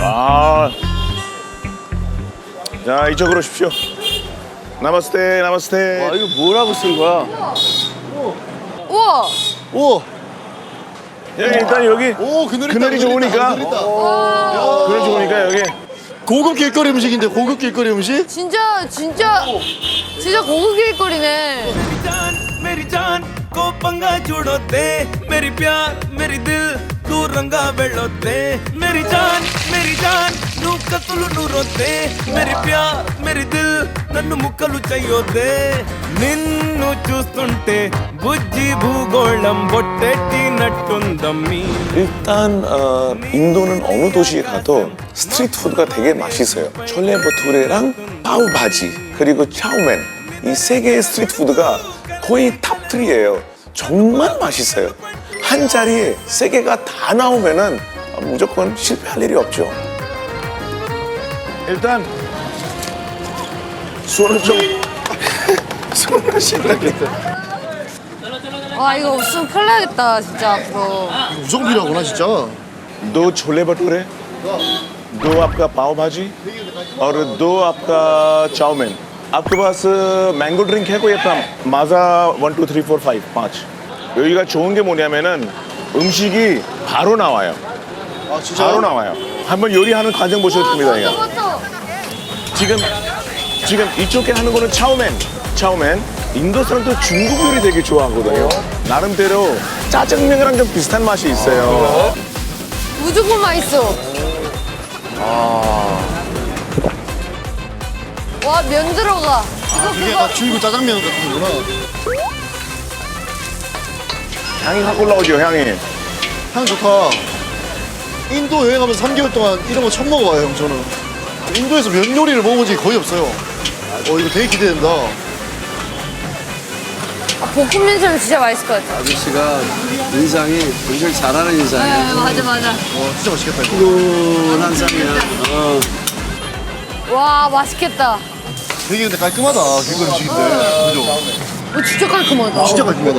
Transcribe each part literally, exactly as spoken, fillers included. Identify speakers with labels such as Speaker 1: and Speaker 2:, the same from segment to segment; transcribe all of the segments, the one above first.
Speaker 1: 아. 자, 이쪽으로 오십시오. 나마스테, 나마스테.
Speaker 2: 아, 이거 뭐라고 쓴 거야?
Speaker 3: 우와.
Speaker 2: 오!
Speaker 1: 예, 일단 여기
Speaker 2: 오, 그늘 있다.
Speaker 1: 그늘이 좋으니까.
Speaker 2: 그늘 있다.
Speaker 1: 그늘 좋으니까 여기.
Speaker 2: 고급 길거리 음식인데, 고급 길거리 음식?
Speaker 3: 진짜 진짜 진짜 고급 길거리네.
Speaker 4: मेरी जान को पंगा जोड़ो दे मेरी प्यार मेरी दिल तू रंगा बेड़ो दे मेरी जान मेरी जान नू कतलु नू रोते मेरी प्यार मेरी दिल నన్ను ముక్కలు చేయొద్దే నిన్ను చూస్తుంటే బుజ్జి భూగోళం బొట్టెట్టినట్టుందమ్మీ
Speaker 1: 일단 어, 인도는 어느 도시에 가도 스트리트 푸드가 되게 맛있어요. 촐레 버투레랑 파우바지 그리고 차우멘 이 세 개의 스트리트 푸드가 거의 탑삼이에요. 정말 맛있어요. 한 자리에 세 개가 다 나오면은 무조건 실패할 일이 없죠. 일단 손을 좀 손을 씻어야겠다.
Speaker 3: 와 이거 없으면 큰일 나겠다 진짜 앞으로.
Speaker 2: 무조건 필요하구나, 진짜.
Speaker 1: दो छोले भटूरे दो आपका पाव भाजी और दो आपका चाउमीन आपके पास मैंगो ड्रिंक है कोई अपना Maaza one two three four five पाँच 여기가 좋은 게 뭐냐면은 음식이 바로 나와요.
Speaker 2: 아, 진짜?
Speaker 1: 바로 나와요. 한번 요리하는 과정 보셔도 됩니다. 이거. 지금 지금 이쪽에 하는 거는 차우멘 차우멘 인도 사람도 중국 요리 되게 좋아하거든요. 나름대로 짜장면이랑 좀 비슷한 맛이 있어요.
Speaker 3: 무조건 맛있어. 와 면 들어가. 이거
Speaker 2: 이게
Speaker 3: 그거
Speaker 2: 다 줄고 짜장면 같은 거구나.
Speaker 1: 향이 확 올라오죠, 향이.
Speaker 2: 향 좋다. 인도 여행하면서 삼 개월 동안 이런 거 처음 먹어봐요, 형, 저는. 인도에서 면 요리를 먹어본 적이 거의 없어요. 어, 이거 되게 기대된다.
Speaker 3: 아, 볶음면처럼 진짜 맛있을 것 같아.
Speaker 5: 아저씨가 인상이 굉장히 잘하는 인상이야.
Speaker 3: 네, 맞아 맞아.
Speaker 2: 와, 진짜 맛있겠다, 이거.
Speaker 5: 푸근한 쌍이야. 어.
Speaker 3: 와 맛있겠다.
Speaker 2: 되게 근데 깔끔하다, 길거리 음식인데. 그죠?
Speaker 3: 어, 진짜 깔끔하다.
Speaker 2: 진짜 깔끔하다.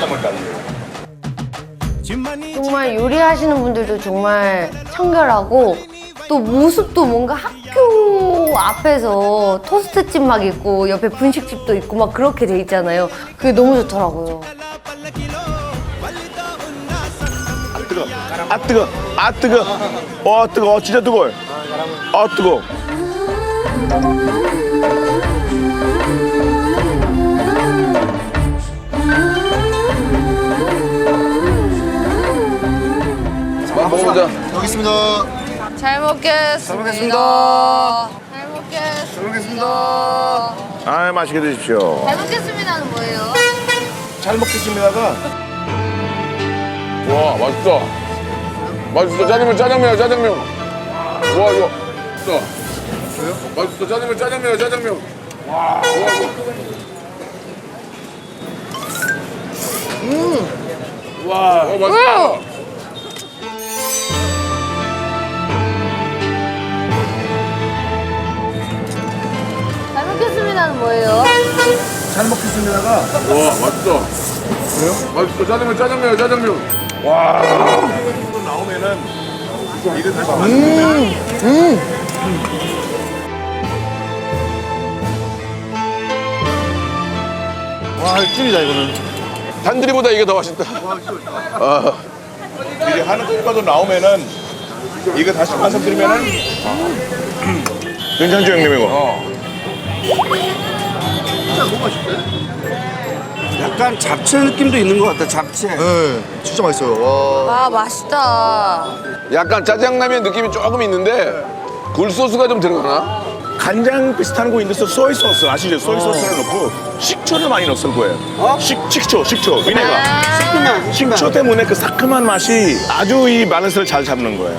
Speaker 6: 정말 요리하시는 분들도 정말 청결하고 또 모습도 뭔가 학교 앞에서 토스트집 막 있고 옆에 분식집도 있고 막 그렇게 돼 있잖아요. 그게 너무 좋더라고요.
Speaker 1: 뜨거. 아 뜨거. 아 뜨거. 어 뜨거. 진짜 뜨거워. 아 뜨거.
Speaker 5: 먹어보자.
Speaker 2: 여기 있습니다.
Speaker 3: 잘 먹겠습니다. 잘 먹겠습니다. 잘 먹겠습니다. 잘 먹겠습니다.
Speaker 1: 아 맛있게 드십시오.
Speaker 3: 잘 먹겠습니다는 뭐예요?
Speaker 1: 잘 먹겠습니다가
Speaker 7: 와 맛있다. 맛있어. 짜장면 짜장면이야 짜장면. 와 이거 맛있어. 맛있어. 짜장면 짜장면이야 짜장면. 와. 와 이거. 음. 와. 어, 맛있다.
Speaker 3: 잘 먹겠습니다는 뭐예요?
Speaker 1: 잘 먹겠습니다가
Speaker 7: 와 맛있어. 그래요? 맛있어. 짜장면 짜장면이야 짜장면. 와.
Speaker 1: 이거 나오면은 이거 다시 맛있는데.
Speaker 2: 와, 찐이다, 이거는.
Speaker 7: 단들이보다 이게 더 맛있다.
Speaker 1: 이제 하는 국가도 나오면은 이거 다시 말씀드리면은 괜찮죠 형님 이거?
Speaker 5: 약간 잡채 느낌도 있는 것 같다, 잡채.
Speaker 2: 네, 진짜 맛있어요. 와.
Speaker 3: 아 맛있다.
Speaker 7: 약간 짜장라면 느낌이 조금 있는데 굴소스가 좀 들어가나?
Speaker 1: 간장 비슷한 거 있는데 소이 소스 아시죠? 소이 소스를 넣고 식초를 많이 넣었을 거예요. 식 식초 식초 비네가.
Speaker 5: 시큼한,
Speaker 1: 식초 때문에 그 상큼한 맛이 아주 이 밸런스를 잘 잡는 거예요.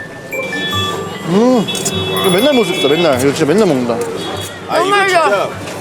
Speaker 2: 이거 맨날 먹을 수 있다, 맨날. 이거 진짜 맨날 먹는다.
Speaker 1: 아 이거
Speaker 3: 정말요?
Speaker 1: 진짜